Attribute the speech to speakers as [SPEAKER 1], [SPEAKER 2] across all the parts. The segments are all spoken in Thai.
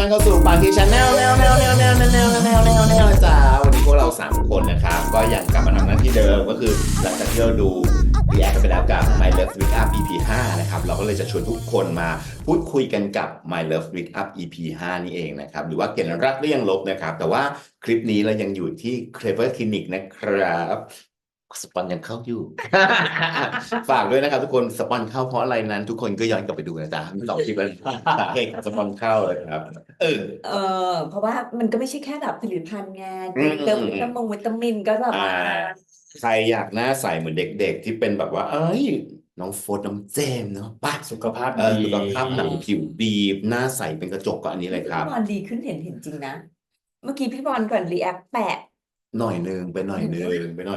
[SPEAKER 1] อนเข้าสู่ปาร์ตี้ชาแนลแนวจ้าวันนี้พวกเรา3คนนะครับก็ยังกลับมาทำหน้าที่เดิมก็คือหลังจากที่เราดูรีแอคกันไปแล้วกับ My Love Wake Up EP 5นะครับเราก็เลยจะชวนทุกคนมาพูดคุยกันกับ My Love Wake Up EP 5นี่เองนะครับหรือว่าเกณฑ์รักหรือยังลบนะครับแต่ว่าคลิปนี้เรายังอยู่ที่ Clever Clinic นะครับสปอนยังเข้าอยู่ ฝากด้วยนะครับทุกคนสปอนเข้าเพราะอะไรนั้นทุกคนก็ย้อนกลับไปดูนะจ๊ะสองคลิปแล้วสาเหตุของสปอนเข้าเลยครับเออ
[SPEAKER 2] เพราะว่ามันก็ไม่ใช่แค่แบบผลิตภัณฑ์ไง
[SPEAKER 1] อืม
[SPEAKER 2] เติมวิตามินก็แบบว่า
[SPEAKER 1] ใครอยากหน้าใสเหมือนเด็กๆที่เป็นแบบว่าเอ้ยน้องโฟร์น้องเจมส์เนาะป่ะ
[SPEAKER 3] สุขภาพ
[SPEAKER 1] สุ
[SPEAKER 3] ดี
[SPEAKER 1] ขภาพหนังผิวดีหน้าใสเป็นกระจกก็อันนี้เลยครับ
[SPEAKER 2] พี่บอลดีขึ้นเห็นจริงนะ เมื่อกี้พี่บอลก่อนรีแอคแปะ
[SPEAKER 1] หน่อยนึงไปหน่อยนึงมัน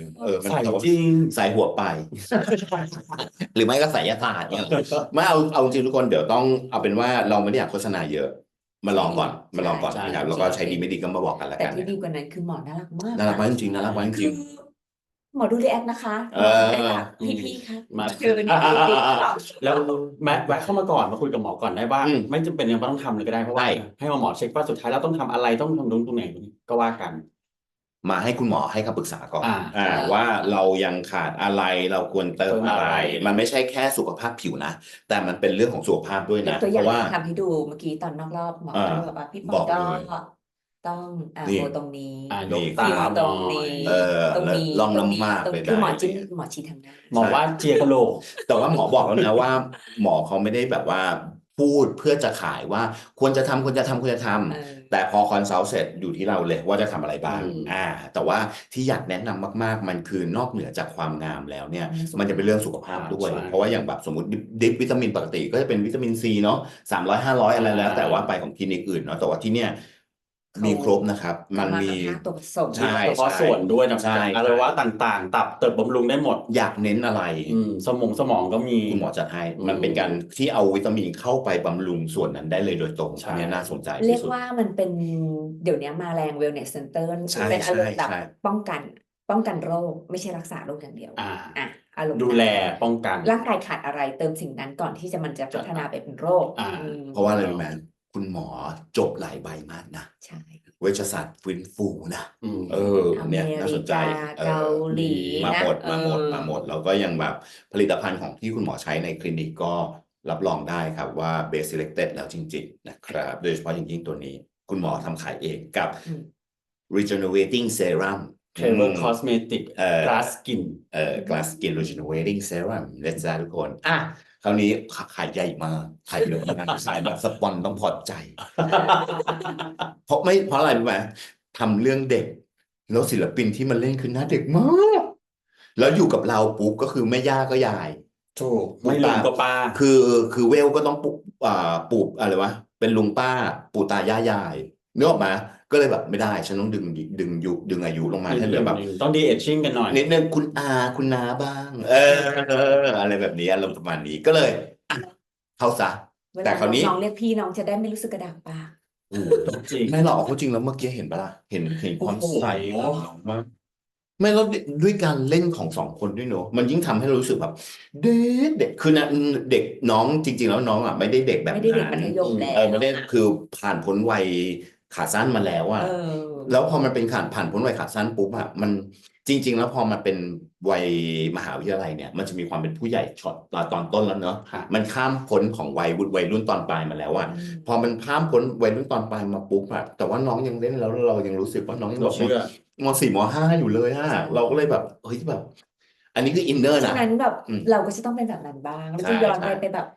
[SPEAKER 3] ใส่
[SPEAKER 1] แต่ว่า
[SPEAKER 3] จริง
[SPEAKER 1] ใส่หัวไป หรือไม่ก็ใส่ยาศาสตร์เนี่ยไม่เอาจริงทุกคนเดี๋ยวต้องเอาเป็นว่าเราไม่ได้อยากโฆษณาเยอะ มาลองก่อนนะครับแล้วก็ใช้ดีไม่ดีก็มาบอกกันละ
[SPEAKER 2] แต่
[SPEAKER 1] กัน
[SPEAKER 2] ที่ดีกว่านั้นคือหมอน่ารักมาก
[SPEAKER 1] น่ารักมากจริงๆน่ารักมากจ
[SPEAKER 2] คื
[SPEAKER 1] ริ
[SPEAKER 2] อง หมอดูรีแอคนะคะ พี่ๆครับ
[SPEAKER 3] มา
[SPEAKER 2] เจอกันในติ๊กต็อก
[SPEAKER 3] แล้วแวะเข้ามาก่อนมาคุยกับหมอก่อนได้ว่า ไม่จำเป็นยังไม่ต้องทำเลยก็ได้เพราะว่าให้หมอเช็คว่าสุดท้ายแล้วต้องทำอะไรต้องทำตรงไหนก็ว่ากัน
[SPEAKER 1] มาให้คุณหมอให้คำปรึกษาก่อน
[SPEAKER 3] อ่า
[SPEAKER 1] ว่าเรายังขาดอะไรเราควรเติมอะไร มันไม่ใช่แค่สุขภาพผิวนะ แต่มันเป็นเรื่องของสุขภาพด้วย
[SPEAKER 2] ยก
[SPEAKER 1] นะ
[SPEAKER 2] ตัวอ
[SPEAKER 1] เพ
[SPEAKER 2] ย่าง
[SPEAKER 1] ราะว่า
[SPEAKER 2] ทำให้ดูเมื่อกี้ตอนนอกรอบหมอก็บอกว่าพี่ป
[SPEAKER 1] บ
[SPEAKER 2] อ
[SPEAKER 1] อก
[SPEAKER 2] ก็
[SPEAKER 1] เลย
[SPEAKER 2] ต้อง
[SPEAKER 1] นี่
[SPEAKER 2] โบตรงนี้
[SPEAKER 3] ยกตา
[SPEAKER 2] ฟิว
[SPEAKER 3] ห
[SPEAKER 2] ต
[SPEAKER 3] น่
[SPEAKER 2] ร
[SPEAKER 3] อง
[SPEAKER 2] นี้
[SPEAKER 3] ย
[SPEAKER 2] ตรงนี้
[SPEAKER 1] ลองน้ำมาก
[SPEAKER 2] ตรง
[SPEAKER 1] ไป
[SPEAKER 2] นี้คือหมอ
[SPEAKER 1] ได้
[SPEAKER 2] จิ้มหมอชี้ทางหน้า
[SPEAKER 3] หมอว่าเจียกะโหลก
[SPEAKER 1] แต่ว่าหมอบอกแล้วนะว่า หมอเขาไม่ได้แบบว่าพูดเพื่อจะขายว่าควรจะทำแต่พอคอนซัลท์เสร็จอยู่ที่เราเลยว่าจะทำอะไรบ้าง แต่ว่าที่อยากแนะนำมากๆ มันคือนอกเหนือจากความงามแล้วเนี่ย มันจะเป็นเรื่องสุขภาพด้วย
[SPEAKER 3] ใช่
[SPEAKER 1] เพราะว่าอย่างแบบสมมติดิปวิตามินปกติก็จะเป็นวิตามินซีเนาะ300-500อะไรแล้ว แต่ว่าไปของคลินิกอื่นเนาะแต่ว่าที่เนี่ยมีครบนะครับ มันมี
[SPEAKER 2] าตัวผสม
[SPEAKER 1] ใช่
[SPEAKER 3] เฉพาะส่วนด้วยนะ
[SPEAKER 1] ใช่
[SPEAKER 3] อวัยวะต่างๆ ตับเติบบำรุงได้หมด
[SPEAKER 1] อยากเน้นอะไร
[SPEAKER 3] สมองก็มี
[SPEAKER 1] คุณหมอจัดให้
[SPEAKER 3] อืม
[SPEAKER 1] มันเป็นการที่เอาวิตามินเข้าไปบำรุงส่วนนั้นได้เลยโดยตรง
[SPEAKER 3] ใช่
[SPEAKER 1] อันนี้น่าสนใจ
[SPEAKER 2] เรีย
[SPEAKER 1] ที่
[SPEAKER 2] ก
[SPEAKER 1] สุด
[SPEAKER 2] ว่ามันเป็นเดี๋ยวนี้มาแรง wellness center
[SPEAKER 1] ใช่
[SPEAKER 2] เป็นอารมณ์แบบ
[SPEAKER 1] ใช่
[SPEAKER 2] ป้องกันโรคไม่ใช่รักษาโรคอย่างเดียว
[SPEAKER 3] อ่า
[SPEAKER 2] อารมณ์
[SPEAKER 3] ดูแลป้องกัน
[SPEAKER 2] ร่างกายขาดอะไรเติมสิ่งนั้นก่อนที่จะมันจะพัฒนาไปเป็นโรค
[SPEAKER 3] อ่า
[SPEAKER 1] เพราะว่าอะไรรู้ไหมคุณหมอจบหลายใบมากนะ
[SPEAKER 2] ใช่
[SPEAKER 1] เวชศาสตร์ฟื้นฟูนะ
[SPEAKER 3] อืม
[SPEAKER 1] เนี่ยน่าสนใจ
[SPEAKER 2] เกาหลี
[SPEAKER 1] มา
[SPEAKER 2] นะ
[SPEAKER 1] หมด
[SPEAKER 2] เออ
[SPEAKER 1] แล้วก็ยังแบบผลิตภัณฑ์ของที่คุณหมอใช้ในคลินิกก็รับรองได้ครับว่า Best Selected แล้วจริงๆนะครับ โดยเฉพาะอย่างยิ่งตัวนี้ คุณหมอทำขายเองกับ
[SPEAKER 2] อืม
[SPEAKER 1] Regenerating Serum
[SPEAKER 3] Clever Cosmetic
[SPEAKER 1] เออ
[SPEAKER 3] Glass Skin
[SPEAKER 1] Glass Skin Regenerating Serum นะจ๊ะทุกคนคราวนี้ขายใหญ่มากขายเยอะมากขายแบบสปอนต้องพอใจ เพราะอะไรรู้ไหมทำเรื่องเด็ก แล้วศิลปินที่มันเล่นคือหน้าเด็กมาก แล้วอยู่กับเราปุ๊บก็คือแม่ย่าก็ยาย
[SPEAKER 3] ถูกไม่ลืมก็ป้า
[SPEAKER 1] คือเวลก็ต้องปู่อะไรวะเป็นลุงป้าปู่ตายายายนึกออกมาก็เลยแบบไม่ได้ ฉันต้องดึงอายุลงมาให้เหลือแบบ
[SPEAKER 3] ต้องดีเอชชิ่งกันหน่อย
[SPEAKER 1] นิดนึงคุณอาคุณน้าบ้าง อะไรแบบนี้อารมณ์ประมาณนี้ก็เลยเข้าซะ
[SPEAKER 2] เว
[SPEAKER 1] แต่
[SPEAKER 2] ลา
[SPEAKER 1] คราวนี้
[SPEAKER 2] น้องเรียกพี่น้องจะได้ไม่รู้สึกกระดากปาก
[SPEAKER 3] จริง
[SPEAKER 1] ไม่หรอกเขาจริงแล้วเมื่อกี้เห็นปะล่ะเห็นความ
[SPEAKER 3] โอ้โห
[SPEAKER 1] ใสของน้องมากไม่แล้วด้วยการเล่นของ2 คนด้วยเนอะมันยิ่งทำให้เรารู้สึกแบบเด็กคือนะเด็กน้องจริง ๆ แล้วน้องอ่ะไม่ได้เด็กแบบ
[SPEAKER 2] ไม่ได้เด็ก
[SPEAKER 1] นั้
[SPEAKER 2] มัน ธยมแล้ว
[SPEAKER 1] ไม่ได้คือผ่านพ้นวัยขาสั้นมาแล้วอ่ะ แล้วพอมันเป็นผ่านพ้นวัยขาสั้นปุ๊บอะมันจริง ๆ แล้วพอมันเป็นวัยมหาวิทยาลัยเนี่ยมันจะมีความเป็นผู้ใหญ่ช็อตตอนต้นแล้วเนอะ
[SPEAKER 3] ค่ะ
[SPEAKER 1] มันข้ามพ้นของวัยรุ่นตอนปลายมาแล้วอะพอมันข้ามพ้นวัยรุ่นตอนปลายมาปุ๊บอะแต่ว่าน้องยังเล่นแล้วเรายังรู้สึกว่าน้องยัง
[SPEAKER 3] เรา
[SPEAKER 1] แบบ
[SPEAKER 3] เชื่อ
[SPEAKER 1] ม.4 ม.5อยู่เลยอะเราก็เลยแบบเฮ้ยแบบ อันนี้คืออินเนอร์
[SPEAKER 2] ฉะ
[SPEAKER 1] นะ
[SPEAKER 2] นั้นแบบ
[SPEAKER 1] อืม
[SPEAKER 2] เราก็จะต้องเป็นแบบนั้นบ้างเรา
[SPEAKER 1] ใช่
[SPEAKER 2] จะย้อน
[SPEAKER 1] ใช่
[SPEAKER 2] ไปแบบ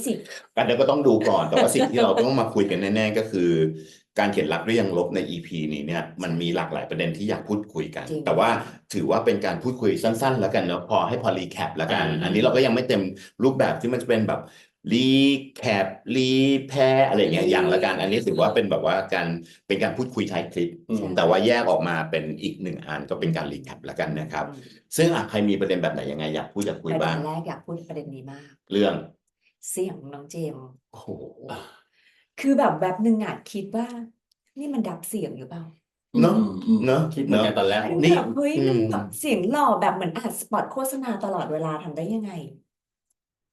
[SPEAKER 2] 20
[SPEAKER 1] กันเดี๋ยวก็ต้องดูก่อน แต่ว่าสิ่งที่เราต้องมาคุยกันแน่ ๆ ก็คือ การเขียนรักหรือยังลบใน EP นี้เนี่ยมันมีหลากหลายประเด็นที่อยากพูดคุยกัน
[SPEAKER 2] จริง
[SPEAKER 1] แต่ว่าถือว่าเป็นการพูดคุยสั้น ๆ แล้วกันเนาะพอรีแคปแล้วกัน
[SPEAKER 3] อ่า
[SPEAKER 1] อันนี้เราก็ยังไม่เต็มรูปแบบที่มันจะเป็นแบบรีแคปรีแพร์อะไรอย่างเงี้ยอย่างละกัน อันนี้ถือว่าเป็นแบบว่าเป็นการพูดคุยท้ายคลิป
[SPEAKER 3] อืม
[SPEAKER 1] แต่ว่าแยกออกมาเป็นอีก1 อันก็เป็นการรีแคปแล้วกันนะครับ ซึ่งใครมีประเด็นแบบไหนยังไงอยากพูดอยากคุย
[SPEAKER 2] ประเด็
[SPEAKER 1] บ้าง
[SPEAKER 2] นแรกอยากพูดประเด็นนี้มาก
[SPEAKER 1] เรื่อง
[SPEAKER 2] เสียงน้องเจมส์
[SPEAKER 1] โอ้โห
[SPEAKER 2] คือแบบหนึ่งอ่ะคิดว่า นี่มันดับเสียงหรือเปล่า
[SPEAKER 1] เนอะเนอะ
[SPEAKER 3] คิดเหมือนกันตอนแรก
[SPEAKER 1] นี่
[SPEAKER 2] แบบเฮ้ยมันแบบเสียงหล่อแบบเหมือนอัดสปอตโฆษณาตลอดเวลาทำได้ยังไง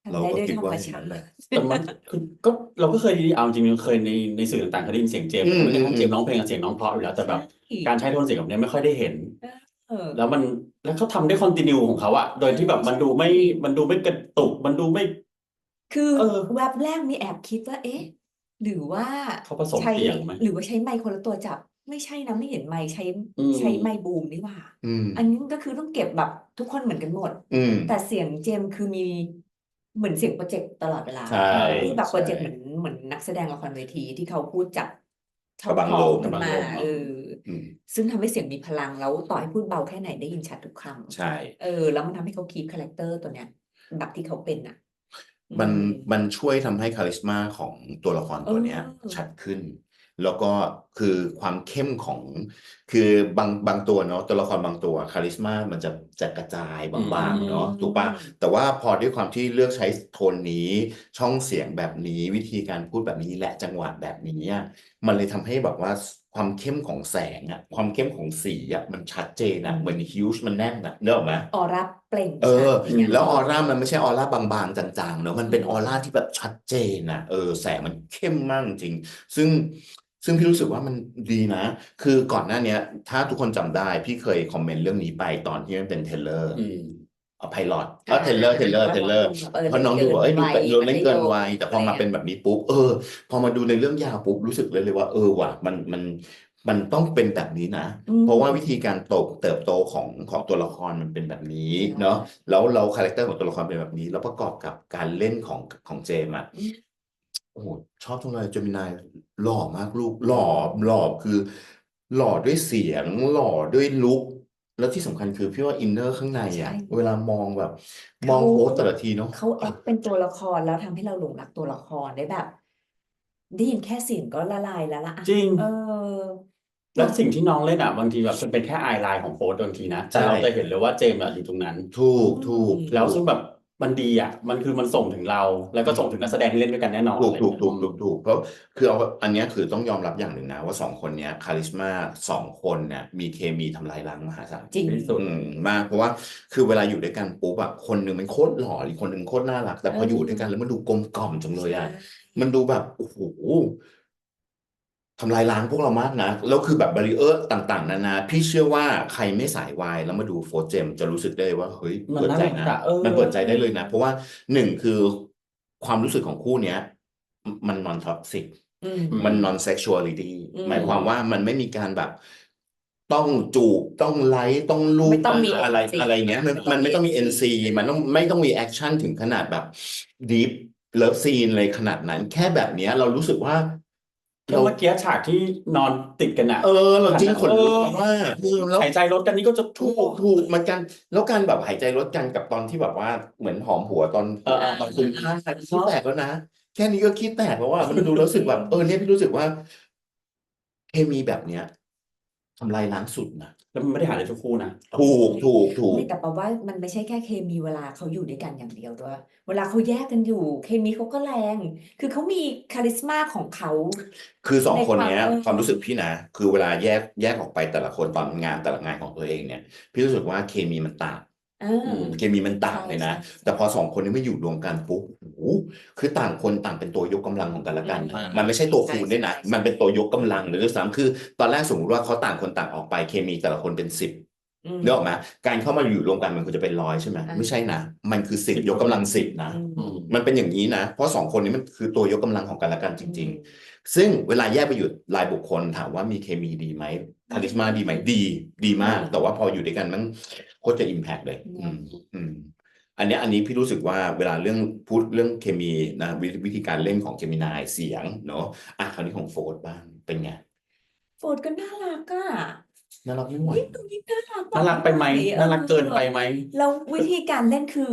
[SPEAKER 1] เรา
[SPEAKER 2] ทำได้
[SPEAKER 1] ก็
[SPEAKER 2] ด้วย
[SPEAKER 1] คิด
[SPEAKER 2] ธร
[SPEAKER 1] ว่าร
[SPEAKER 2] ม
[SPEAKER 1] อย่าง
[SPEAKER 2] ชา
[SPEAKER 1] นั้นแหละ
[SPEAKER 3] แต่มันคือก็เราก็เคยเอาจริงๆเคยในสื่อต่างๆเคยได้ยินเสียงเจมส์ไม่กระทั่งเจมส์ร้องเพลงกับเสียงน้องเพราะอยู่แล้วแต่แบบ
[SPEAKER 2] ใช่
[SPEAKER 3] การใช้โทนเสียงแบบนี้ไม่ค่อยได้เห็น
[SPEAKER 2] เออ
[SPEAKER 3] แล้วเขาทำได้คอนติเนียของเขาอะโดยที่แบบมันดูไม่กระตุกมันดูไม่
[SPEAKER 2] คือ
[SPEAKER 3] เออ
[SPEAKER 2] แวบแรกมีแอบคิดว่า เอ๊ะ หรือว่า
[SPEAKER 3] เขาผสม
[SPEAKER 2] ใช้
[SPEAKER 3] เสียงไหม
[SPEAKER 2] หรือว่าใช้ไมค์คนละตัวจับ ไม่ใช่นะไม่เห็นไมค์ใช้
[SPEAKER 3] อืม
[SPEAKER 2] ใช้ไมค์บูมนี่หว่า
[SPEAKER 1] อืม
[SPEAKER 2] อันนี้ก็คือต้องเก็บแบบทุกคนเหมือนกันหมด
[SPEAKER 1] อืม
[SPEAKER 2] แต่เสียงเจมส์คือมีเหมือนเสียงโปรเจกต์ตลอดเวลา
[SPEAKER 1] ใช่
[SPEAKER 2] คือแบบโปรเจกต์
[SPEAKER 1] ใช่
[SPEAKER 2] เหมือนนักแสดงละครเวทีที่เขาพูดจากช่
[SPEAKER 1] กระบัง
[SPEAKER 2] ท้
[SPEAKER 1] ล
[SPEAKER 2] อง
[SPEAKER 1] ม
[SPEAKER 2] ขึ้นมา
[SPEAKER 3] กระบังลม
[SPEAKER 1] อืม
[SPEAKER 2] ซึ่งทำให้เสียงมีพลังแล้วต่อให้พูดเบาแค่ไหนได้ยินชัดทุกค
[SPEAKER 1] ใช่
[SPEAKER 2] ำแล้วมันทำให้เขาคีปคาแรคเตอร์ตัวเนี้ยแบบที่เขาเป็นอ่ะ
[SPEAKER 1] มัน
[SPEAKER 2] อืม
[SPEAKER 1] มันช่วยทำให้คาลิสมาของตัวละครตัวเนี้ย
[SPEAKER 2] เออ
[SPEAKER 1] ชัดขึ้น แล้วก็คือความเข้มของ คือบางตัวเนาะตัวละครบางตัวคาลิสมามันจะกระจายบางๆเนาะถูกปะแต่ว่าพอด้วยความที่เลือกใช้โทนนี้ ช่องเสียงแบบนี้วิธีการพูดแบบนี้และจังหวะแบบนี้อะมันเลยทำให้แบบว่าความเข้มของแสงอะความเข้มของสีอะมันชัดเจนอะเหมือนฮิวจ์มันแน่นอะนึกออกไหม
[SPEAKER 2] ออร่าเปล่ง
[SPEAKER 1] เอ
[SPEAKER 2] ชั
[SPEAKER 1] อ
[SPEAKER 2] ดอย่าง
[SPEAKER 1] แล้วออ
[SPEAKER 2] ที่
[SPEAKER 1] ร่ามันไม่ใช่ออร่าบางๆจางๆเนอะมันเป็น
[SPEAKER 2] อืม
[SPEAKER 1] ออร่าที่แบบชัดเจนนะแสงมันเข้มมากจริงซึ่งพี่รู้สึกว่ามันดีนะ คือก่อนหน้าเนี้ย ถ้าทุกคนจำได้พี่เคยคอมเมนต์เรื่องนี้ไปตอนที่มันเป็นเทเลอร์
[SPEAKER 3] อืม
[SPEAKER 1] ไพลอตเทเลอร์ เพราะน้องดูบอกดูเล่นเกินวัยแต่พอมาเป็นแบบนี้ปุ๊บพอมาดูในเรื่องยาวปุ๊บรู้สึกเลยว่าว่ะมันต้องเป็นแบบนี้นะ เพราะว่าวิธีการเติบโตของตัวละครมันเป็นแบบนี้เนาะแล้วเราคาแรคเตอร์ของตัวละครเป็นแบบนี้แล้วประกอบกับการเล่นของเจมส์อะโอ้โหชอบจังเลยเจมินายหล่อมากลูกหล่อคือหล่อด้วยเสียงหล่อด้วยลุคแล้วที่สำคัญคือพี่ว่าอินเนอร์ข้างในอะ
[SPEAKER 2] ใช่
[SPEAKER 1] เวลามองแบบมองโพสต์แต่ละทีเนาะ
[SPEAKER 2] เขาแอคเป็นตัวละครแล้วทำให้เราหลงรักตัวละครได้แบบ ได้ยินแค่เสียงก็ละลายแล้วล่ะอะ
[SPEAKER 3] จริง
[SPEAKER 2] เออ
[SPEAKER 3] แล้วสิ่งที่น้องเล่นอ่ะบางทีแบบมันเป็นแค่ไอไลน์ของโฟร์บางทีนะแต่
[SPEAKER 1] ใช่
[SPEAKER 3] เราจะเห็นเลยว่าเจมส์อะอยู่ตรงนั้น
[SPEAKER 1] ถูก
[SPEAKER 3] แล้วซึ่งแบบมันดีอ่ะมันส่งถึงเรา แล้วก็ส่งถึงนักแสดงที่เล่นด้วยกันแน่นอน
[SPEAKER 1] ถูก
[SPEAKER 3] อะไรอย่างเงี้ย
[SPEAKER 1] เพราะคืออันเนี้ยคือต้องยอมรับอย่างหนึ่งนะว่าสองคนเนี้ยคาลิสมาสองคนเนี่ยมีเคมีทำลายล้างมหาศาล
[SPEAKER 2] จริง
[SPEAKER 3] ที่สุด
[SPEAKER 1] มากเพราะว่าคือเวลาอยู่ด้วยกันปุ๊บอะคนหนึ่งมันโคตรหล่ออีกคนหนึ่งโคตรน่ารัก แต่พออยู่ด้วยกันแล้วมันดูกลมกล่อมจังเลยอะมันดูแบบโอ้โหทำลายล้างพวกเรามากนะแล้วคือแบบบาริเออร์ต่างๆนานาพี่เชื่อว่าใครไม่สายวายแล้วมาดูโฟร์เจมจะรู้สึกได้ว่าเฮ้ย
[SPEAKER 3] มัน
[SPEAKER 1] เปิดใจ
[SPEAKER 3] น่ารั
[SPEAKER 1] นะ
[SPEAKER 3] กอะ
[SPEAKER 1] มันเปิดใจได้เลยนะ เพราะว่าหนึ่งคือความรู้สึกของคู่เนี้ยมันนอนท็อกซิก
[SPEAKER 2] อืม
[SPEAKER 1] มัน non sexuality
[SPEAKER 2] อืม
[SPEAKER 1] หมายความว่ามันไม่มีการแบบ ต้องจูบต้องไลค์ต้องลูบ
[SPEAKER 2] ไม่ต้องมี
[SPEAKER 1] อะไร
[SPEAKER 2] NC
[SPEAKER 1] อะไรเงี้ยมันไม่ต้องมี NC มันไม่ต้องมีแอคชั่นถึงขนาดแบบ deep love scene เลยขนาดนั้น แค่แบบเนี้ยเรารู้สึกว่า
[SPEAKER 3] แค่เมื่อกี้ฉากที่นอนติดกันอ่ะ
[SPEAKER 1] เราจริงขนลุกมากแล้ว
[SPEAKER 3] หายใจลดกันนี่ก็จะ
[SPEAKER 1] ถูกมันกันแล้วการแบบหายใจลดกันกับตอนที่แบบว่าเหมือนหอมหัวตอนคุณฆ่าขี้แตกแล้วนะแค่นี้ก็ขี้แตกแล้วว่ามันดูรู้สึกแบบเนี่ยพี่รู้สึกว่าเคมีแบบเนี้ยทำลายล้างสุดนะ
[SPEAKER 3] แล้วมันไม่ได้หาได้ทุกคู่นะ
[SPEAKER 1] ถูก
[SPEAKER 2] ไม่แต่แปลว่ามันไม่ใช่แค่เคมีเวลาเขาอยู่ด้วยกันอย่างเดียวด้วย เวลาเขาแยกกันอยู่ เคมีเขาก็แรง คือเขามีคาลิสมาของเขา
[SPEAKER 1] คือสองคนเนี้ย
[SPEAKER 2] ในความ
[SPEAKER 1] ความรู้สึกพี่นะคือเวลาแยกออกไปแต่ละคนตอนงานแต่ละงานของตัวเองเนี่ยพี่รู้สึกว่าเคมีมันต่าง เคมีมันต่างเลยนะ
[SPEAKER 2] ใช่
[SPEAKER 1] แต่พอสองคนนี้ไม่อยู่รวมกันปุ๊บโอ้โหคือต่างคนต่างเป็นตัวยกกำลังของกันและกัน
[SPEAKER 2] อืม
[SPEAKER 1] มันไม่ใช่ตัวคูณด้วยนะ
[SPEAKER 2] ใช่
[SPEAKER 1] มันเป็นตัวยกกำลังเลยด้วยซ้ำคือ ตอนแรกสมมติว่าเขาต่างคนต่างออกไปเคมีแต่ละคนเป็น10
[SPEAKER 2] อืม
[SPEAKER 1] นึกออกไหมการเข้ามาอยู่รวมกันมันควรจะเป็น100ใช่ไหม
[SPEAKER 2] อ่า
[SPEAKER 1] ไม่ใช่นะมันคือ10 ยกกำลัง10นะ
[SPEAKER 2] อืม
[SPEAKER 1] มันเป็นอย่างนี้นะ เพราะสองคนนี้มันคือตัวยกกำลังของกันและกันจริง ๆ ซึ่งเวลาแยกไปอยู่รายบุคคลถามว่ามีเคมีดีไหมคาลิสมาดีไหมดีมาก แต่ว่าพออยู่ด้วยกันมันโคตรจะอิมแพกเลย อันนี้พี่รู้สึกว่าเวลาพูดเรื่องเคมีนะวิธีการเล่นของเจมินายเสียงเนาะคราวนี้ของโฟร์บ้างเป็นไง
[SPEAKER 2] โฟร์ดก็น่ารักอ่ะ
[SPEAKER 1] น่ารักไม่ไหว
[SPEAKER 2] ยิ่งดูยิ่งน่ารัก
[SPEAKER 3] น่ารักไปไหม
[SPEAKER 2] ออ
[SPEAKER 3] น่ารักเกินไปไหม
[SPEAKER 2] แล้ววิธีการเล่นคือ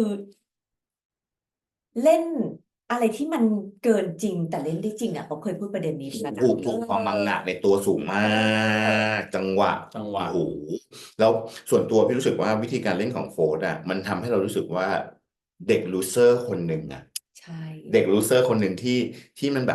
[SPEAKER 2] เล่นอะไรที่มันเกินจริงแต่เล่นได้จริงอ่ะเขาเคยพูดประเด็นนี้แล้วนะ
[SPEAKER 1] ถูกความมังงะในตัวสูงมากจังหวะ
[SPEAKER 3] จังหวะ
[SPEAKER 1] โอ้โหแล้วส่วนตัวพี่รู้สึกว่าวิธีการเล่นของโฟร์อ่ะมันทำให้เรารู้สึกว่าเด็กลูเซอร์คนหนึ่งอ่ะ
[SPEAKER 2] ใช่
[SPEAKER 1] เด็กลูเซอร์คนหนึ่งที่มันแบบ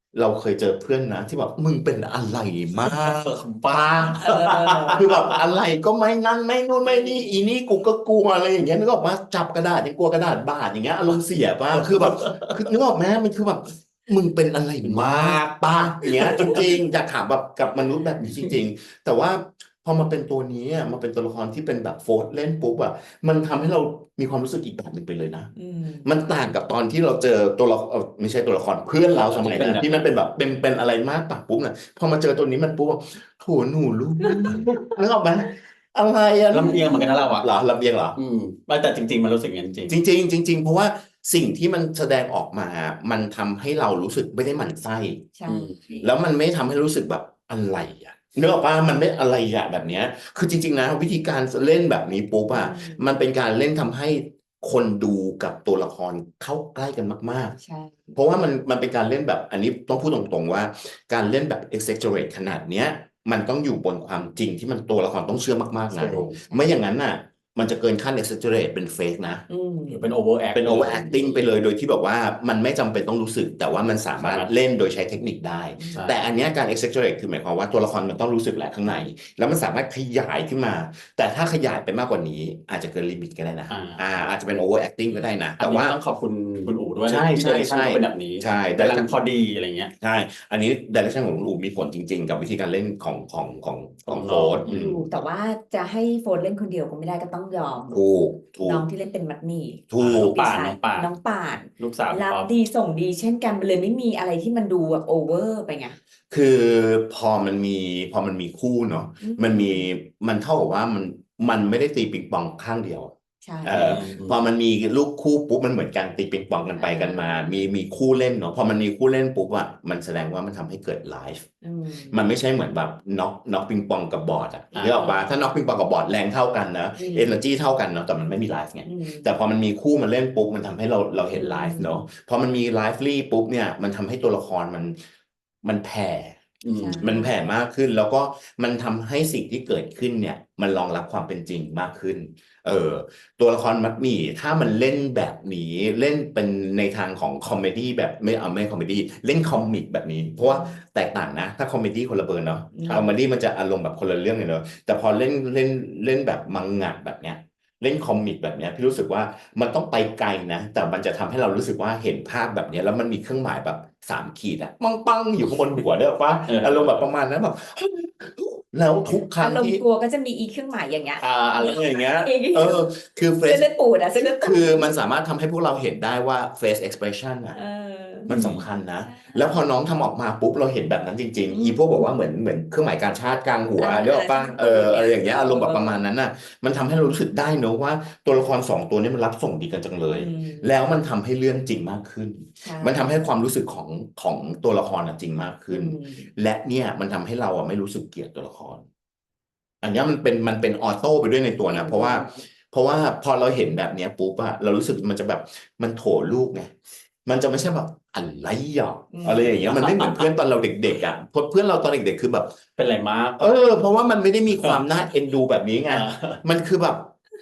[SPEAKER 1] เราเคยเจอเพื่อนนะที่แบบมึงเป็นอะไรมากป้า
[SPEAKER 2] เออ
[SPEAKER 1] คือแบบอะไรก็ไม่นั่นไม่นู่นไม่นี่อีนี่กูก็กลัวอะไรอย่างเงี้ยนึกออกมาจับกระดาษยังกลัวกระดาษบาดอย่างเงี้ยอารมณ์เสียป่ะคือแบบคือนึกออกไหมมันคือแบบมึงเป็นอะไรมากป้าอย่างเงี้ยจริงๆอยากถามแบบกับมนุษย์แบบนี้จริงๆแต่ว่าพอมาเป็นตัวนี้อะมาเป็นตัวละครที่เป็นแบบโฟร์ธเล่นปุ๊บอ่ะมันทำให้เรามีความรู้สึกอีกแบบหนึ่งไปเลยนะ
[SPEAKER 2] อืม
[SPEAKER 1] มันต่างกับตอนที่เราเจอตัวละครไม่ใช่ตัวละครเพื่อนเราสมัยนั้นที่มันเป็นแบบเป็นอะไรมากปากปุ๊บเนี่ยพอมาเจอตัวนี้มันปุ๊บว่าโถหนูลูกนึกออกไหมอะไรอะ
[SPEAKER 3] ลำเอียงเหมือนกันนะเราอ่ะ
[SPEAKER 1] เหรอลำเอียงเหรอ
[SPEAKER 3] แต่จริงๆมันรู้สึกอย่างนั้นจริง
[SPEAKER 1] จริงๆจริงๆเพราะว่าสิ่งที่มันแสดงออกมา มันทำให้เรารู้สึกไม่ได้หมั่นไส้
[SPEAKER 2] ใช่
[SPEAKER 1] แล้วมันไม่ทำให้รู้สึกแบบอะไรอ่ะนึกออกป่ะมันไม่อะไรอ่ะแบบเนี้ยคือจริงๆนะวิธีการเล่นแบบนี้ปุ๊บอ่ะมันเป็นการเล่นทำให้คนดูกับตัวละครเข้าใกล้กันมาก
[SPEAKER 2] ใช่
[SPEAKER 1] ๆ เพราะว่ามันเป็นการเล่นแบบอันนี้ต้องพูดตรงๆว่า การเล่นแบบ exaggerate ขนาดเนี้ยมันต้องอยู่บนความจริงที่มันตัวละครต้องเชื่อมากๆ
[SPEAKER 2] ใช่
[SPEAKER 1] นะไม่อย่างนั้นน่ะมันจะเกินขั้น exaggerate เป็น fake นะ
[SPEAKER 2] อืม
[SPEAKER 3] หรือเป็น overact
[SPEAKER 1] เป็น overacting ไปเลยโดยที่แบบว่ามันไม่จำเป็นต้องรู้สึก แต่ว่ามันสามารถเล่นโดยใช้เทคนิคได้
[SPEAKER 3] ใช่
[SPEAKER 1] แต่อันเนี้ยการ exaggerate คือหมายความว่าตัวละครมันต้องรู้สึกแหละข้างใน แล้วมันสามารถขยายขึ้นมา แต่ถ้าขยายไปมากกว่านี้อาจจะเกินลิมิตก็ได้นะอาจจะเป็น overacting ก็ได้นะ
[SPEAKER 3] อัน
[SPEAKER 1] แต่
[SPEAKER 3] นี้
[SPEAKER 1] ว่า
[SPEAKER 3] ต้องขอบคุณคุณอู๋ด้วย
[SPEAKER 1] ใช่
[SPEAKER 3] ที่
[SPEAKER 1] ใช่
[SPEAKER 3] direction
[SPEAKER 1] ใช่
[SPEAKER 3] เขาเป็นแบบนี้
[SPEAKER 1] ใช่
[SPEAKER 3] กำลังพอดีอะไรเงี้ย
[SPEAKER 1] ใช่ อันนี้ direction ของคุณอู๋มีผลจริง ๆ กับวิธีการเล่นของโฟร์ธ
[SPEAKER 2] ถูกแต่ว่าจะให้โฟนเล่นคนเดียวก็ไม่ได้ก็ต้องยอม
[SPEAKER 1] ถูก
[SPEAKER 2] น้องที่เล่นเป็นมัดหมี่
[SPEAKER 1] ถูก
[SPEAKER 2] ลูก
[SPEAKER 3] ป่าน
[SPEAKER 2] ชาย
[SPEAKER 3] น้องป่าน
[SPEAKER 2] น้องป่าน
[SPEAKER 3] ลูกสาวพี่
[SPEAKER 2] รับ
[SPEAKER 3] ป๊อป
[SPEAKER 2] ดีส่งดีเช่นกันมันเลยไม่มีอะไรที่มันดูแบบโอเวอร์ไปไง
[SPEAKER 1] คือพอมันมีคู่เนาะ มันเท่ากับว่ามันไม่ได้ตีปิงปองข้างเดียว
[SPEAKER 2] ใช่
[SPEAKER 1] พอมันมีลูกคู่ปุ๊บมันเหมือนกันตีปิงปองกันไปกันมา มีคู่เล่นเนาะพอมันมีคู่เล่นปุ๊บอ่ะมันแสดงว่ามันทำให้เกิดไลฟ์
[SPEAKER 2] อืม
[SPEAKER 1] มันไม่ใช่เหมือนแบบน็อกปิงปองกับบอร์ดอ่ะ
[SPEAKER 3] อ่า
[SPEAKER 1] เรียกออกปะถ้าน็อกปิงปองกับบอร์ดแรงเท่ากันนะ
[SPEAKER 2] อืม
[SPEAKER 1] เอเนอร์จีเท่ากันเนาะแต่มันไม่มีไลฟ์ไง
[SPEAKER 2] อืม
[SPEAKER 1] แต่พอมันมีคู่มาเล่นปุ๊บมันทำให้เราเห็นไลฟ์เนาะพอมันมีไลฟ์ลี่ปุ๊บเนี่ยมันทำให้ตัวละครมันแผ่
[SPEAKER 3] อืม
[SPEAKER 2] ใช่
[SPEAKER 1] มันแผ่มากขึ้นแล้วก็มันทำให้สิ่งที่เกิดขึ้นเนี่ยมันรองรับความเป็นจริงมากขึ้น ตัวละครมัดหมี่ถ้ามันเล่นแบบนี้เล่นเป็นในทางของคอมเมดี้แบบไม่คอมเมดี้เล่นคอมิกแบบนี้ เพราะว่าแตกต่างนะ ถ้าคอมเมดี้คนละเบอร์เนาะ
[SPEAKER 2] ครับ
[SPEAKER 1] คอมเมดี้มันจะอารมณ์แบบคนละเรื่องเลยเนาะแต่พอเล่นแบบมังงะแบบเนี้ยเล่นคอมิกแบบเนี้ยพี่รู้สึกว่ามันต้องไปไกลนะ แต่มันจะทำให้เรารู้สึกว่าเห็นภาพแบบเนี้ยแล้วมันมีเครื่องหมายแบบ3 ขีดอะปังอยู่ข้างบนหัวเด้อปะอารมณ์แบบประมาณนั้นแบบ แล้วทุกครั้
[SPEAKER 2] อาง รม
[SPEAKER 1] ที่
[SPEAKER 2] ณ์กลัวก็จะมีอีเครื่องหมายอย่างเงี้ย
[SPEAKER 1] อะไรอย่างเงี้ย
[SPEAKER 2] อีก
[SPEAKER 1] คือเฟ
[SPEAKER 2] เส้น
[SPEAKER 1] ซ
[SPEAKER 2] เลือดปูดอะเส้นเลือดปูด
[SPEAKER 1] คือมันสามารถทำให้พวกเราเห็นได้ว่า face expression อ่ะ
[SPEAKER 2] เออ
[SPEAKER 1] มันสำคัญนะ
[SPEAKER 2] ใช่
[SPEAKER 1] แล้วพอน้องทำออกมาปุ๊บเราเห็นแบบนั้นจริง
[SPEAKER 2] อืม
[SPEAKER 1] ๆ อีพวกบอกว่าเหมือนเครื่องหมายการชาติกลางหัว
[SPEAKER 2] อ่า
[SPEAKER 1] เรียกว่าป่ะ
[SPEAKER 2] ใช่
[SPEAKER 1] อะไรอย่างเงี้ยอารมณ์แบบ
[SPEAKER 2] เออ
[SPEAKER 1] ประมาณนั้นน่ะ มันทำให้เรารู้สึกได้เนอะว่าตัวละคร2 ตัวนี้มันรับส่งดีกันจังเลย
[SPEAKER 2] อืม
[SPEAKER 1] แล้วมันทำให้เรื่องจริงมากขึ้น
[SPEAKER 2] ใช่
[SPEAKER 1] มันทำให้ความรู้สึกของตัวละครน่ะจริงมากขึ้น
[SPEAKER 2] อืม
[SPEAKER 1] และเนี่ยมันทำให้เราอ่ะไม่รู้สึกเกลียดตัวละคร อันเนี้ยมันเป็นออโต้ไปด้วยในตัวนะ เพราะว่าพอเราเห็นแบบเนี้ยปุ๊บอะเรารู้สึกมันจะแบบมันโถลูกไงมันจะไม่ใช่แบบอะไรหรอก
[SPEAKER 2] อืม
[SPEAKER 1] อะไรอย่างเงี้ยมันไม่เหมือนเพื่อนตอนเราเด็กๆอะเพื่อนเราตอนเด็กๆคือแบบ
[SPEAKER 3] เป็นไรมาก
[SPEAKER 1] เพราะว่ามันไม่ได้มีความน่าเอ็นดูแบบนี้ไง มันคือแบบ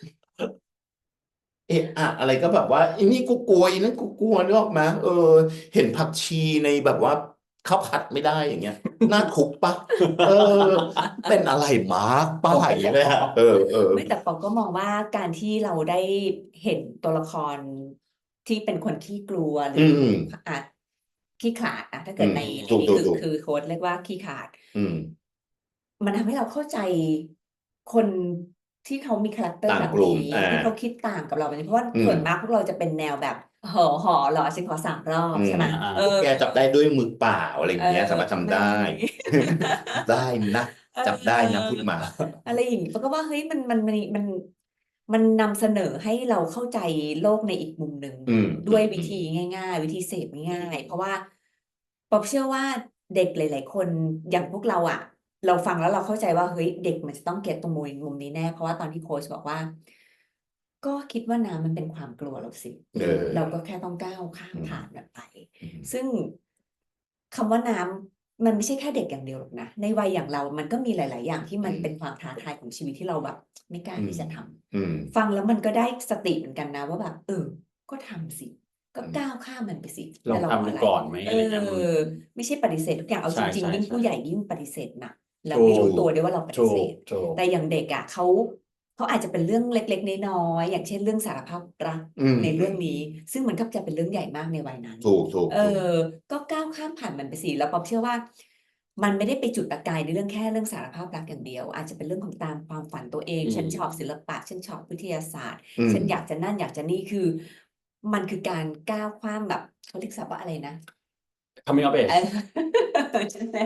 [SPEAKER 1] อะไรก็แบบว่าอันนี้กูกลัวอันนั้นกูกลัวนึกออกมาเห็นผักชีในแบบว่าข้าวผัดไม่ได้อย่างเงี้ยน่าทุกข์ปะเป็นอะไรมากป้าอย่างเงี้ยเลยฮะ
[SPEAKER 2] ไม่แต่ปอก็มองว่าการที่เราได้เห็นตัวละครที่เป็นคนขี้กลัวหรืออาจขี้ขลาดนะถ้าเกิดในนี้คือโค้ดเรียกว่าขี้ขลาด มันทำให้เราเข้าใจคนที่เขามีคาแรคเตอร์
[SPEAKER 1] ต่าง
[SPEAKER 2] แบบ
[SPEAKER 1] กลุ่ม
[SPEAKER 2] นี้ที่เขาคิดต่างกับเราแบบนี้เพราะว่า
[SPEAKER 1] อืม
[SPEAKER 2] ส่วนมากพวกเราจะเป็นแนวแบบหอเหรอฉันขอ3 รอบใช่ไหม
[SPEAKER 1] แกจับได้ด้วยมือเปล่าอะไรอย่างเงี้ยสามารถทำได้ ได้นะ จับได้นะพูดมา
[SPEAKER 2] อะไรอย่างนี้ปอก็ว่าเฮ้ยมันนำเสนอให้เราเข้าใจโลกในอีกมุมหนึ่ง
[SPEAKER 1] อืม
[SPEAKER 2] ด้วยวิธีง่ายๆ วิธีเสพง่ายๆเพราะว่าปอเชื่อว่าเด็กหลายๆคนอย่างพวกเราอะเราฟังแล้วเราเข้าใจว่าเฮ้ยเด็กมันจะต้องเก็ตตรงมุมนี้แน่เพราะว่าตอนที่โค้ชบอกว่า ก็คิดว่าน้ำมันเป็นความกลัวเราสิ เราก็แค่ต้องก้าวข้ามผ่านมันไป ซึ่งคำว่าน้ำมันไม่ใช่แค่เด็กอย่างเดียวหรอกนะในวัยอย่างเรามันก็มีหลาย ๆ อย่างที่มันเป็นความท้าทายของชีวิตที่เราแบบไม่กล้าที่จะทำฟังแล้วมันก็ได้สติเหมือนกันนะว่าแบบก็ทำสิก็ก้าวข้ามมันไปสิ
[SPEAKER 3] ลอง
[SPEAKER 2] จะ
[SPEAKER 3] ทำดู
[SPEAKER 2] อะไร
[SPEAKER 3] ก่อนไหมอะไรเงี้ย
[SPEAKER 2] ไม่ใช่ปฏิเสธทุกอย่างเอา
[SPEAKER 3] ใช่
[SPEAKER 2] จริง
[SPEAKER 3] ใช่
[SPEAKER 2] ๆยิ่ง
[SPEAKER 3] ใช่
[SPEAKER 2] ผู้ใหญ่ยิ่งปฏิเสธหนักแล้ว
[SPEAKER 3] ถู
[SPEAKER 2] ไม่
[SPEAKER 3] ก
[SPEAKER 2] รู้ตัวด้วยว่าเราปฏิ
[SPEAKER 3] ถู
[SPEAKER 2] เส
[SPEAKER 3] ก
[SPEAKER 2] ธ
[SPEAKER 3] ถูก
[SPEAKER 2] แต่อย่างเด็กอ่ะเขาอาจจะเป็นเรื่องเล็กๆน้อยๆอย่างเช่นเรื่องสารภาพรัก
[SPEAKER 1] อืม
[SPEAKER 2] ในเรื่องนี้ ซึ่งมันก็จะเป็นเรื่องใหญ่มากในวัยนั้น
[SPEAKER 1] ถูกถูก
[SPEAKER 2] เอ
[SPEAKER 1] ถูก
[SPEAKER 2] อ ก็ก้าวข้ามผ่านมันไปสิแล้วป๊อปเชื่อว่า มันไม่ได้ไปจุดประกายในเรื่องแค่เรื่องสารภาพรักอย่างเดียว อาจจะเป็นเรื่องของตามความฝันตัวเอง
[SPEAKER 3] อืม
[SPEAKER 2] ฉันชอบศิลปะ ฉันชอบวิทยาศาสตร์
[SPEAKER 1] อืม
[SPEAKER 2] ฉันอยากจะนั่นอยากจะนี่คือ มันคือการก้าวข้ามแบบเขาเรียกศัพท์ว่าอะไรนะ
[SPEAKER 3] coming of age
[SPEAKER 2] ใช่ไหม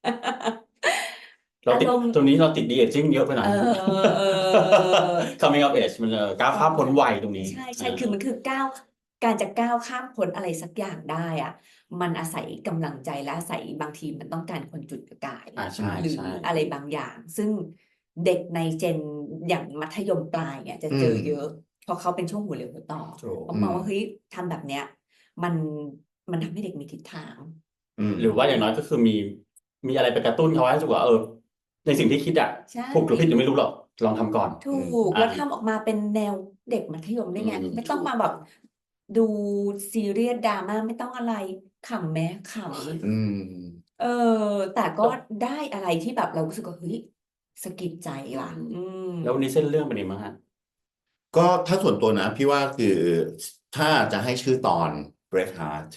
[SPEAKER 3] เราติด
[SPEAKER 2] อารมณ์
[SPEAKER 3] ตรงนี้เราติด de-aging เยอะไปหน่อย coming of age มันก้าวข้ามพ้นวัยตรงนี้
[SPEAKER 2] ใช่คือมันคือการจะก้าวข้ามพ้นอะไรสักอย่างได้อะมันอาศัยกำลังใจและอาศัยบางทีมันต้องการคนจุดประกาย
[SPEAKER 3] ใช่
[SPEAKER 2] หรือ
[SPEAKER 3] ใช่
[SPEAKER 2] อะไรบางอย่าง ซึ่งเด็กในเจนอย่างมัธยมปลายเนี่ยจะเจอเยอะ เพราะเขาเป็นช่วงหัวเรียวหัวต่อ
[SPEAKER 3] ถูก
[SPEAKER 2] ผมมองว่าเฮ้ยทำแบบเนี้ยมันทำให้เด็กมีทิศทาง
[SPEAKER 1] อืม
[SPEAKER 3] หรือว่าอย่างน้อยก็คือมีอะไรไปกระตุ้นเขาให้รู้สึกว่าในสิ่งที่คิดอะ
[SPEAKER 2] ใช่
[SPEAKER 3] ถูกหรือผิดยังไม่รู้หรอกลองทำก่อน
[SPEAKER 2] ถูก
[SPEAKER 3] อ่า
[SPEAKER 2] แล้วทำออกมาเป็นแนวเด็กมัธยมได้ไง
[SPEAKER 3] อืม
[SPEAKER 2] ไม่ต้องมาแบบดูซีเรียสดราม่าไม่ต้องอะไรขำแม้ข
[SPEAKER 1] อืม
[SPEAKER 2] ำแต่ก็ได้อะไรที่แบบเรารู้สึกว่าเฮ้ยสะกิดใจว่ะม
[SPEAKER 3] แล้ววันนี้เส้นเรื่องเป็นยังไงบ้างฮะ
[SPEAKER 1] ก็ถ้าส่วนตัวนะ พี่ว่าคือถ้าจะให้ชื่อตอน Braveheart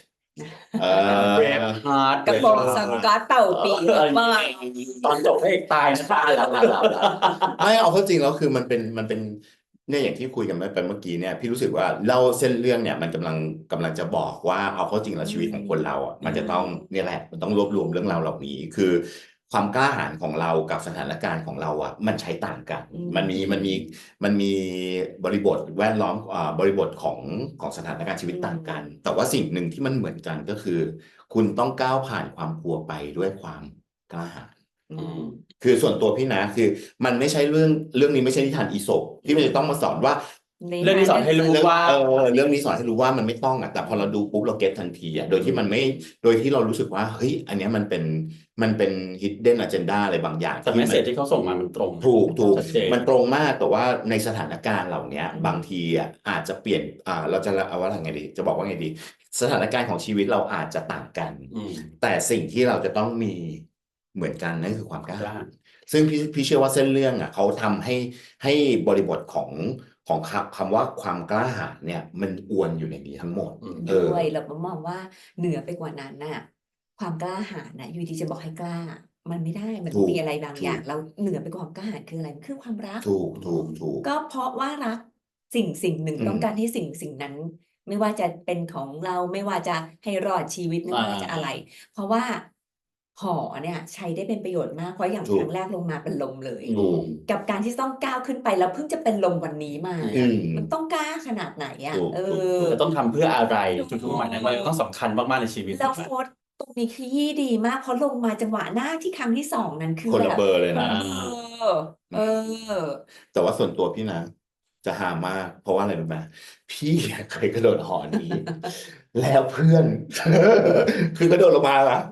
[SPEAKER 3] Braveheart
[SPEAKER 2] กระโปรงสังกัดเต่าปีกมาก
[SPEAKER 3] ตอนจบพระเอกตายนะคะหลับ
[SPEAKER 1] ไม่เอาเข้าจริงแล้วคือมันเป็นเนี่ยอย่างที่คุยกันไปเมื่อกี้เนี่ยพี่รู้สึกว่าเล่าเส้นเรื่องเนี่ยมันกำลังจะบอกว่าเอาเข้าจริงแล้วชีวิตของคนเราอ่ะมันจะต้องเนี่ยแหละมันต้องรวบรวมเรื่องราวเหล่านี้คือความกล้าหาญของเรากับสถานการณ์ของเราอ่ะมันใช้ต่างกัน
[SPEAKER 2] อืม
[SPEAKER 1] มันมีบริบทแวดล้อมบริบทของสถานการณ์ชีวิตต่างกัน แต่ว่าสิ่งหนึ่งที่มันเหมือนกันก็คือ คุณต้องก้าวผ่านความกลัวไปด้วยความกล้าหาญ
[SPEAKER 2] อืม
[SPEAKER 1] คือส่วนตัวพี่นะคือมันไม่ใช่เรื่องนี้ไม่ใช่นิทานอีสปที่มันจะต้องมาสอนว่า
[SPEAKER 3] เรื่องนี้สอนให้รู้ว่า
[SPEAKER 1] เรื่องนี้สอนให้รู้ว่ามันไม่ต้องอ่ะแต่พอเราดูปุ๊บเราเก็ตทันทีอ่ะโดยที่มันไม่โดยที่เรารู้สึกว่าเฮ้ยอันเนี้ยมันเป็น hidden agenda อะไรบางอย่าง
[SPEAKER 3] แต่เมสเสจที่เขาส่งมามันตรง
[SPEAKER 1] ถูก
[SPEAKER 3] ชัดเจน
[SPEAKER 1] มันตรงมากแต่ว่าในสถานการณ์เหล่านี้
[SPEAKER 2] อืม
[SPEAKER 1] บางทีอ่ะอาจจะเปลี่ยนเราจะเอาว่าไงดีจะบอกว่าไงดี สถานการณ์ของชีวิตเราอาจจะต่างกัน
[SPEAKER 3] อืม
[SPEAKER 1] แต่สิ่งที่เราจะต้องมีเหมือนกันนั่นคือความกล้า
[SPEAKER 3] กล้า
[SPEAKER 1] ซึ่งพี่เชื่อว่าเส้นเรื่องอ่ะเขาทำให้บริบทของคำว่าความกล้าหาญเนี่ยมันอวนอยู่ในนี้ทั้งหมด
[SPEAKER 3] อืม
[SPEAKER 2] ด้วยเรามองว่าเหนือไปกว่านั้นน่ะ ความกล้าหาญน่ะอยู่ดีจะบอกให้กล้า มันไม่ได้มันต้องมีอะไรบางอย่างเราเหนือไปกว่าความกล้าหาญคืออะไรมันคือความรัก
[SPEAKER 1] ถูก
[SPEAKER 2] ก็เพราะว่ารักสิ่งหนึ่ง
[SPEAKER 1] อืม
[SPEAKER 2] ต้องการให้สิ่งนั้น ไม่ว่าจะเป็นของเราไม่ว่าจะให้รอดชีวิตไม่ว่าจะอะไร เพราะว่าหอเนี่ยใช้ได้เป็นประโยชน์มากเพราะอย่าง
[SPEAKER 1] ถู
[SPEAKER 2] ค
[SPEAKER 1] ก
[SPEAKER 2] รั้งแรกลงมาเป็นลมเลย
[SPEAKER 1] ถูก
[SPEAKER 2] กับการที่ต้องก้าวขึ้นไปแล้วเพิ่งจะเป็นลมวันนี้มา
[SPEAKER 1] อืม
[SPEAKER 2] มันต้องกล้าขนาดไหนอ่ะ
[SPEAKER 1] ถูก
[SPEAKER 3] จะต้องทำเพื่ออะไร
[SPEAKER 2] ถูก
[SPEAKER 3] จุดมุ่งหมายนั้นมันต้องสำคัญมากๆในชีวิต
[SPEAKER 2] แล้วโค้ดตรงนี้ขยี้ดีมากเพราะลงมาจังหวะหน้าที่ครั้งที่สองนั้นคือ
[SPEAKER 1] คนละ
[SPEAKER 2] แบบ
[SPEAKER 1] เบอร์เลย
[SPEAKER 2] คน
[SPEAKER 1] นะ
[SPEAKER 2] ละเบอร์
[SPEAKER 1] แต่ว่าส่วนตัวพี่นะ จะหามาก เพราะว่าอะไรรู้ไหมพี่เคยกระโดดหอนี้ แล้วเพื่อน คือกระโดดลงมาละ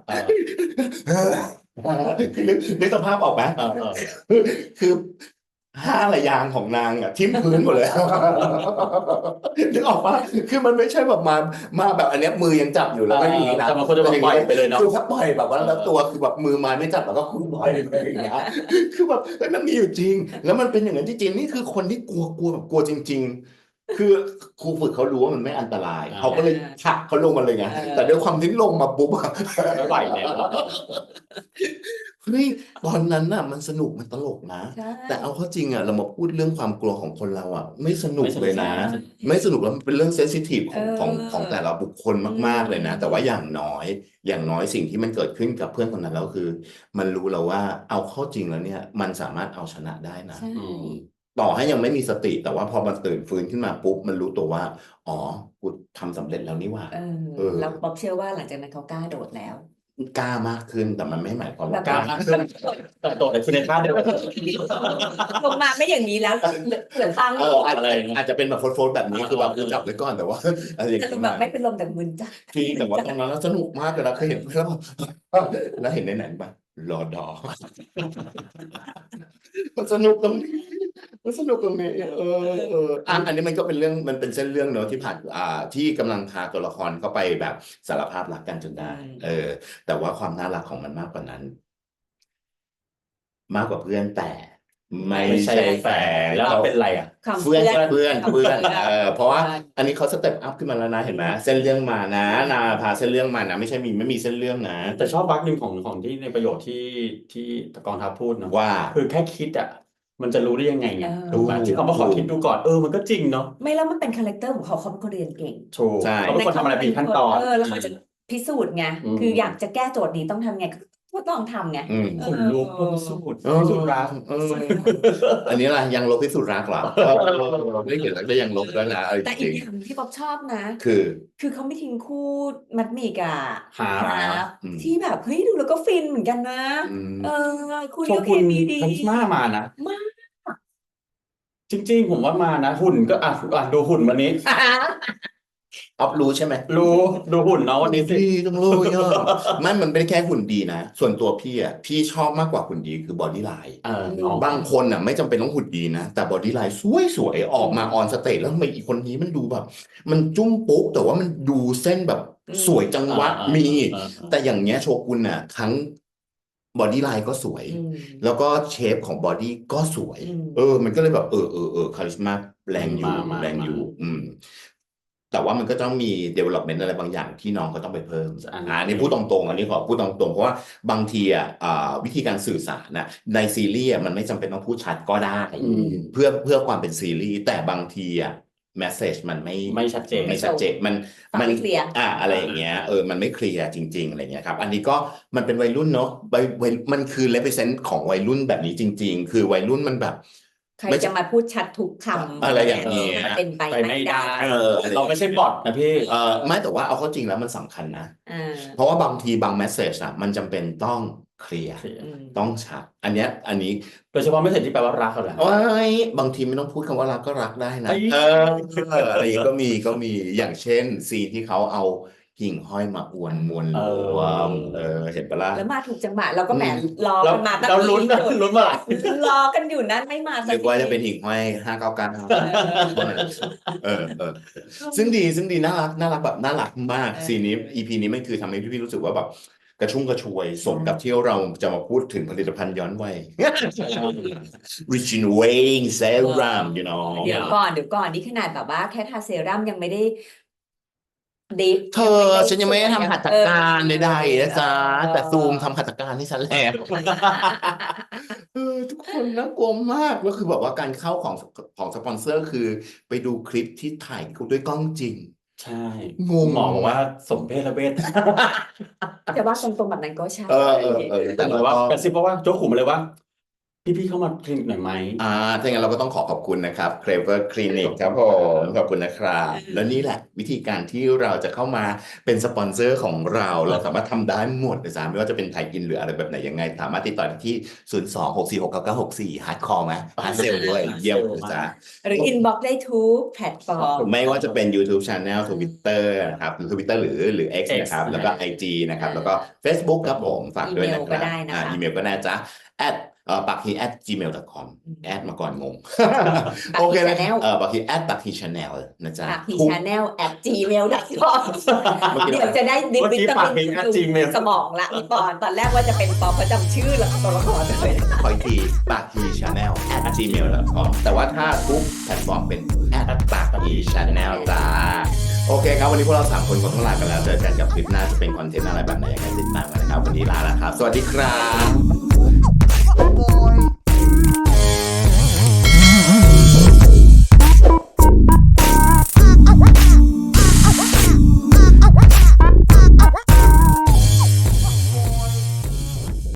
[SPEAKER 1] คือนึกสภาพออกไหม คือห้าระยางของนางอ่ะทิ่มพื้นหมดเลย นึกออกปะคือมันไม่ใช่แบบมาแบบอันเนี้ยมือยังจับอยู่แล้วก็อย่างนี้นะ
[SPEAKER 3] แต่บางคนจะแบบปล่อยไปเลยเนาะ
[SPEAKER 1] คือถ้าปล่อยแบบว่าแล้วตัวคือแบบมือไม้ไม่จับแล้วก็คุณปล่อยไปอย่างเงี้ย คือแบบเฮ้ยมันมีอยู่จริง แล้วมันเป็นอย่างนั้นจริงๆนี่คือคนที่กลัวแบบกลัวจริง ๆ คือครูฝึกเขารู้ว่ามันไม่อันตราย
[SPEAKER 3] อ่า
[SPEAKER 1] เขาก็เลยผลักเขาลงมาเลยไง แต่ด้วยความที่ลงมาปุ๊บอะ
[SPEAKER 3] ไม่ไหวแล้ว
[SPEAKER 1] เฮ้ยตอนนั้นน่ะมันสนุกมันตลกนะ
[SPEAKER 2] ใช่
[SPEAKER 1] แต่เอาเข้าจริงอ่ะเรามาพูดเรื่องความกลัวของคนเราอ่ะ ไม่สนุก
[SPEAKER 3] ไม่สนุก
[SPEAKER 1] เลยนะ
[SPEAKER 3] ใช่
[SPEAKER 1] ไม่สนุกแล้วมันเป็นเรื่องเซนซิทีฟของ
[SPEAKER 2] เออ
[SPEAKER 1] ของแต่ละบุคคลมากๆเลยนะ แต่ว่าอย่างน้อยสิ่งที่มันเกิดขึ้นกับเพื่อนคนนั้นแล้วคือ มันรู้แล้วว่าเอาเข้าจริงแล้วเนี่ย มันสามารถเอาชนะได้นะ
[SPEAKER 2] ใช่
[SPEAKER 3] อืม
[SPEAKER 1] ต่อให้ยังไม่มีสติ แต่ว่าพอมันตื่นฟื้นขึ้นมาปุ๊บมันรู้ตัวว่าอ๋อกูทำสำเร็จแล้วนี่หว่า
[SPEAKER 2] แล้วป๊อบเชื่อว่าหลังจากนั้นเขากล้าโดดแล้ว
[SPEAKER 1] กล้ามากขึ้นแต่มันไม่หมายความว่าก
[SPEAKER 3] ล้า
[SPEAKER 1] ล้า
[SPEAKER 3] มากขึ้นแต่โดดแต่คือในท่าเดียวกัน
[SPEAKER 2] ลงมาไม่อย่างนี้แล้วเหลือตั้ง
[SPEAKER 1] อาจจะเป็นแบบโฟล์แบบนี้คือแบบกูจับไว้ก่อนแต่ว่าอะไรอย่าง
[SPEAKER 2] จะล
[SPEAKER 1] เงี้
[SPEAKER 2] ง
[SPEAKER 1] ย
[SPEAKER 2] แบบไม่เป็นลมแต่มึนจ้ะ
[SPEAKER 1] พี่แต่ว่าตรงนั้นแล้วสนุกมากเลยนะเคยเห็นแล้วแล้วเห็นในหนังปะรอดอ มันสนุกตรงนี้สนุกตรงนี้อันนี้มันก็เป็นเรื่องมันเป็นเส้นเรื่องเนอะที่ผ่านที่กำลังพาตัวละครเข้าไปแบบสารภาพรักกันจนได้ แต่ว่าความน่ารักของมันมากกว่านั้น มากกว่าเพื่อนแต่ไม่
[SPEAKER 3] ไม่ใช่
[SPEAKER 1] ใช่
[SPEAKER 3] แฟ
[SPEAKER 1] แฟ
[SPEAKER 3] น
[SPEAKER 1] น
[SPEAKER 3] แล้วเราเป็นอะไรอ่ะ
[SPEAKER 2] คำ
[SPEAKER 1] เพื่อน
[SPEAKER 2] เพื่อน
[SPEAKER 1] เพื่อน
[SPEAKER 2] คำเพื่อน
[SPEAKER 1] เพราะว่า
[SPEAKER 2] ใช่
[SPEAKER 1] อันนี้เขาสเต็ปอัพขึ้นมาแล้วนะเห็นไหมเส้นเรื่องมานะนาพาเส้นเรื่องมานะไม่ใช่ไม่มีเส้นเรื่องนะ
[SPEAKER 3] แต่ชอบวักหนึ่งของที่ในประโยชน์ที่กองทัพพูดเนาะ
[SPEAKER 1] ว่า
[SPEAKER 3] คือแค่คิดอ่ะมันจะรู้ได้ยังไงไง
[SPEAKER 2] เออ
[SPEAKER 3] ถูกไหมที่เขามาขอคิดดูก่อนมันก็จริงเนาะ
[SPEAKER 2] ไม่แล้วมันเป็นคาแรคเตอร์ของเขาเป็นคนเรียนเก่ง
[SPEAKER 3] ถูก
[SPEAKER 1] ใช่
[SPEAKER 3] เขาเป็นคนทำอะไรมีขั้นตอน
[SPEAKER 2] แล้วเขาจะพิสูจน์ไง
[SPEAKER 3] อืม
[SPEAKER 2] คืออยากจะแก้โจทย์นี้ต้องทำไงก็ต้องทำไง
[SPEAKER 1] อืม
[SPEAKER 3] ขนลุกพิสูจน์
[SPEAKER 1] เออ
[SPEAKER 3] พิสูจน์รัก
[SPEAKER 1] อันนี้ล่ะยังลบพิสูจน์รักเหรอไม่เห็นแล้วก็ยังลบแล้วนะเอา
[SPEAKER 2] แต่
[SPEAKER 1] จ
[SPEAKER 2] อี
[SPEAKER 1] ริ
[SPEAKER 2] ก
[SPEAKER 1] ง
[SPEAKER 2] อย่างที่ป๊อบชอบนะ
[SPEAKER 1] ๆคือ
[SPEAKER 2] คือเขาไม่ทิ้งคู่มัดหมี่กับ
[SPEAKER 3] หา
[SPEAKER 2] บ
[SPEAKER 1] อืม
[SPEAKER 2] ที่แบบเฮ้ยดูแล้วก็ฟินเหมือนกันนะ
[SPEAKER 1] อืม
[SPEAKER 2] คุณ
[SPEAKER 3] โช
[SPEAKER 2] ก็เค
[SPEAKER 3] กุน
[SPEAKER 2] มีดี
[SPEAKER 3] คาริสมามานะ
[SPEAKER 2] มาก
[SPEAKER 3] จริง ๆ ผมว่ามานะหุ่นก็ดูหุ่นวันนี้
[SPEAKER 1] ออฟรู้ใช่ไหม
[SPEAKER 3] รู้ดูหุ่นเนาะวันนี้สิ
[SPEAKER 1] พี่ต้องรู้เยอะมันเป็นแค่หุ่นดีนะ ส่วนตัวพี่พี่ชอบมากกว่าหุ่นดีคือบอดี้ไลน์ บางคนไม่จำเป็นต้องหุ่นดีนะ แต่บอดี้ไลน์สวยๆออกมาออนสเตจแล้วทำไมอีกคนนี้มันดูแบบ มันจุ้มปุ๊กแต่ว่ามันดูเส้นแบบสวยจังวะมี แต่อย่างเงี้ยโชกุนทั้งบอดี้ไลน์ก็สวย
[SPEAKER 2] อืม
[SPEAKER 1] แล้วก็เชฟของบอดี้ก็สวย
[SPEAKER 2] อืม
[SPEAKER 1] มันก็เลยแบบคาริสมาแรงอยู่
[SPEAKER 3] มา
[SPEAKER 1] แรงอยู่ แต่ว่ามันก็ต้องมี development อะไรบางอย่างที่น้องก็ต้องไปเพิ่ม อันนี้พูดตรงๆอันนี้ขอพูดตรงๆเพราะว่าบางทีวิธีการสื่อสารในซีรีส์มันไม่จำเป็นต้องพูดชัดก็ได้ เพื่อความเป็นซีรีส์แต่บางทีmessage มัน
[SPEAKER 3] ไม่ชัดเจน
[SPEAKER 1] ไม่ชัดเจนมัน
[SPEAKER 2] ฟังไม่เคลียร์
[SPEAKER 1] อะไรอย่างเงี้ยมันไม่เคลียร์จริงๆอะไรเงี้ยครับอันนี้ก็มันเป็นวัยรุ่นเนาะมันคือ represent ของวัยรุ่นแบบนี้จริง ๆ คือวัยรุ่นมันแบบ
[SPEAKER 2] ใครจะมาพูดชัดทุกคำ
[SPEAKER 1] อะไรอย่างเงี้ย
[SPEAKER 2] มันเป็นไป
[SPEAKER 3] ไป
[SPEAKER 2] ไม่
[SPEAKER 3] ไม่
[SPEAKER 2] ได้
[SPEAKER 3] ได้เราไม่ใช่บอทนะพี่
[SPEAKER 1] ไม่แต่ว่าเอาเข้าจริงแล้วมันสำคัญนะ
[SPEAKER 2] อ่า
[SPEAKER 1] เพราะว่าบางทีบาง message มันจำเป็นต้องเคลียร์
[SPEAKER 2] อืม
[SPEAKER 1] ต้องชัดอันนี้
[SPEAKER 3] โดยเฉพาะไม่เสร็จที่แปลว่ารักเขาแหละ
[SPEAKER 1] บางทีไม่ต้องพูดคำว่ารักก็รักได้นะ
[SPEAKER 3] เอ้ย
[SPEAKER 1] อะไรอย่างงี้ก็มีอย่างเช่นซีนที่เขาเอากิ่งห้อยมาอวนมวลรวมเห็นปะล่ะ
[SPEAKER 2] แล้วมาถูกจังหวะเราก็แหมรอ
[SPEAKER 3] เรา
[SPEAKER 2] กันมาตั้ง
[SPEAKER 3] เราลุ้นนะลุ้นเมื่อไหร่
[SPEAKER 2] รอกันอยู่นั้นไม่มาสัก
[SPEAKER 1] เรียกว่าจะเป็น
[SPEAKER 2] ที
[SPEAKER 1] หิ่งห้อย599ซึ่งดีน่ารักแบบน่ารักมากซีนนี้ EP นี้ไม่คือทำให้พี่รู้สึกว่าแบบกระชุ่มกระชวยสมกับที่เราจะมาพูดถึงผลิตภัณฑ์ย้อนวัย Regeneration Serum you know
[SPEAKER 2] เดี๋ยวก่อนนี่ขนาดแบบว่าแค่ทาเซรั่มยังไม่ได้ดิฟ
[SPEAKER 1] เธอฉันยังไม่ได้ทำหัตถการใดๆนะจ๊ะแต่ซูมทำหัตถการให้ฉันแล้ว ทุกคนน่ากลัวมากแล้วคือแบบว่าการเข้าของสปอนเซอร์คือไปดูคลิปที่ถ่ายด้วยกล้องจริง
[SPEAKER 3] ใช่
[SPEAKER 1] งง
[SPEAKER 3] หมอบอกว่าสมเพศระเวท
[SPEAKER 2] แต่ว่าตรงๆแบบนั้นก็ใช่
[SPEAKER 1] แต่
[SPEAKER 3] แต่
[SPEAKER 1] เรา
[SPEAKER 3] ว่า
[SPEAKER 1] ก็
[SPEAKER 3] กระซิบเพราะว่าโจ๊กขู่มาเลยว่า พี่เข้ามาคลินิกหน่อยไหม
[SPEAKER 1] ถ้าอย่างนั้นเราก็ต้องขอบคุณนะครับ Clever Clinic ครับผมขอบคุณนะครับ แล้วนี่แหละวิธีการที่เราจะเข้ามาเป็นสปอนเซอร์ของเราสามารถทำได้หมดนะจ๊ะไม่ว่าจะเป็นไทยอินหรืออะไรแบบไหนยังไงสามารถติดต่อได้ที่ 026469964 ฮาร์ดคอร์ไหมฮาร์ดเซลด้วยเยี่ยมนะจ๊ะ
[SPEAKER 2] หรืออินบ็อกได้ทุกแพลตฟอร์ม
[SPEAKER 1] ไม่ว่าจะเป็น YouTube Channel Twitter นะครับหรือ Twitter หรือ X นะครับ แล้วก็ IG นะครับ แล้วก็ Facebook ครับผมฝากด้วยนะค
[SPEAKER 2] อีเมลก็
[SPEAKER 1] รับ
[SPEAKER 2] ได้นะคะ
[SPEAKER 1] อีเมลก็ได้จ้ะ@pakhi@gmail.com แอดมาก่อนงง
[SPEAKER 2] Pakhi
[SPEAKER 1] โอเคนะ
[SPEAKER 2] Channel
[SPEAKER 1] pakhi @pakhi channel นะจ๊ะ
[SPEAKER 2] ปากพีชาแนล @gmail.com
[SPEAKER 1] เมื่อกี้
[SPEAKER 2] เดี๋ยวจะได้ดิบ
[SPEAKER 3] เมื่อ
[SPEAKER 2] วิ
[SPEAKER 3] กี้
[SPEAKER 2] ตา
[SPEAKER 3] ปาก
[SPEAKER 2] มิน
[SPEAKER 3] เพลง @gmail
[SPEAKER 2] สมองละพี่ปอนตอนแรกว่าจะเป็นปอเพราะจำชื่อแล้วตัวละครเลย
[SPEAKER 1] ขออีกที pakhi channel @gmail.com แต่ว่าถ้าทุกแพลตฟอร์มเป็น @pakhi channel จ้าโอเคครับวันนี้พวกเรา3คนก็ต้องลากันแล้วเจอกันกับคลิปหน้าจะเป็นคอนเทนต์อะไรแบบไหนยังไงติดตามกันนะครับวันนี้ลาแล้วครับสวัสดีครับ